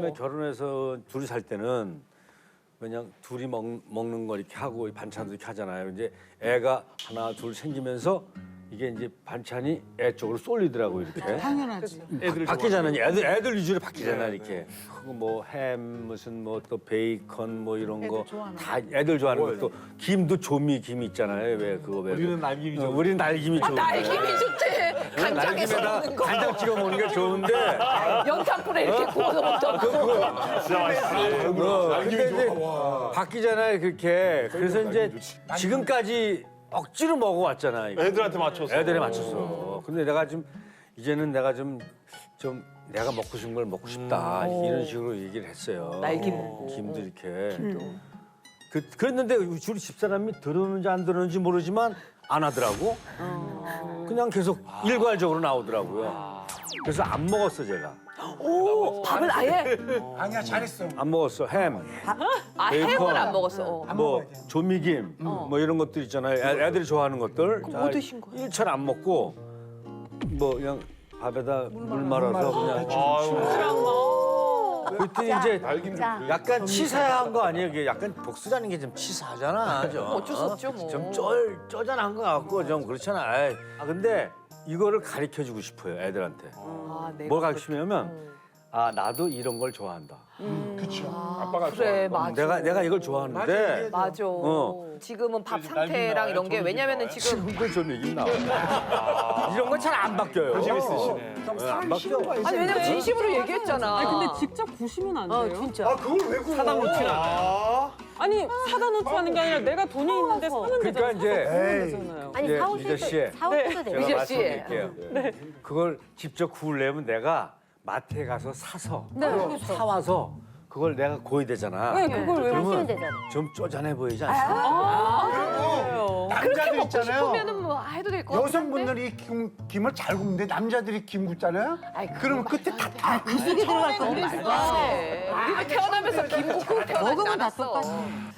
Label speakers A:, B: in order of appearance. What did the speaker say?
A: 처음에 결혼해서 둘이 살 때는 그냥 둘이 먹는 거 이렇게 하고 반찬도 이렇게 하잖아요. 이제 애가 하나 둘 생기면서 이게 이제 반찬이 애 쪽으로 쏠리더라고 이렇게.
B: 당연하지.
A: 바뀌잖아요. 애들 위주로 바뀌잖아 이렇게. 뭐 햄 무슨 뭐 또 베이컨 뭐 이런 거 다 애들 좋아하는 거. 또 김도 조미 김 있잖아요. 왜 그거 왜?
C: 우리는 날김이 좋은데.
A: 우리는 날김이 좋은데.
D: 날김이 좋지. 간장에서 먹는 거.
A: 간장 찍어 먹는 게 좋은데.
D: 연탄불에 이렇게 구워서 먹던 거.
C: 진짜 맛있어.
A: 근데 이제 바뀌잖아요 그렇게. 그래서 이제 지금까지 억지로 먹어왔잖아. 이거.
C: 애들한테 맞춰서.
A: 애들에 맞췄어. 근데 내가 좀 이제는 내가 좀 내가 먹고 싶은 걸 먹고 싶다 이런 식으로 얘기를 했어요.
D: 날김 먹고.
A: 김도 이렇게. 그랬는데 우리 집사람이 들었는지 안 들었는지 모르지만 안 하더라고. 그냥 계속 일괄적으로 나오더라고요. 그래서 안 먹었어 제가.
D: 오, 밥을 아예?
B: 아니야, 잘했어.
A: 안 먹었어 햄.
D: 아,
A: 베이컨.
D: 햄을 안 먹었어.
A: 뭐 조미김 뭐 이런 것들 있잖아요. 애들이 좋아하는 것들.
D: 그럼 뭐 드신 거예요?
A: 일철 안 먹고 뭐 그냥 밥에다 물 말아서 그냥 그랬더니 이제 약간 치사한 거 아니에요? 이게 약간 복수라는 게 좀 치사하잖아. 좀.
D: 어쩔 수 없죠, 뭐.
A: 좀 쪼잔한 거 같고 좀 그렇잖아. 아이. 근데 이거를 가르쳐주고 싶어요 애들한테. 뭘 가르치냐면 아 나도 이런 걸 좋아한다.
B: 그쵸.
C: 아빠가
D: 그래,
C: 좋아하는 거.
D: 맞아.
A: 내가 이걸 좋아하는데
D: 맞아. 지금은 밥 상태랑 이런 게 왜냐면은 지금
A: 지금도 좀 얘기 나와. 이런 건 잘 안 바뀌어요.
C: 관심 있으시네.
A: 안 바뀌어.
D: 아니 왜냐면 진심으로 얘기했잖아.
E: 아니 근데 직접 구시면 안 돼요?
D: 진짜.
B: 그걸 왜 구워?
C: 사당 놓치는 않아요.
E: 아니 사다 놓고 하는 게 아니라 내가 돈이 있는데 사면
A: 그러니까
E: 되잖아.
A: 이제
E: 되잖아요.
F: 아니
A: 예,
F: 사오실
A: 미자 씨.
F: 때 사오셔도 돼요.
A: 제가
D: 미자 씨.
A: 말씀드릴게요. 그걸 직접 구우려면 내가 마트에 가서 사서 사와서 그걸 내가 구워야 되잖아.
E: 네, 그걸 왜
F: 하시면
A: 그러면
F: 되잖아.
A: 좀 쪼잔해 보이지 않습니까?
E: 그래요?
B: 남자들
D: 먹고
B: 있잖아요.
D: 싶으면은 뭐 해도 될 것 같은데.
B: 여성분들이 김을 잘 굽는데 남자들이 김 굽잖아요.
D: 아이,
B: 그러면 끝에 다
F: 구석이 들어갈 건데.
D: 우리가 태어나면서 김 굽고 태어나지
F: 먹으면 다
D: 않았어.
F: 똑같아.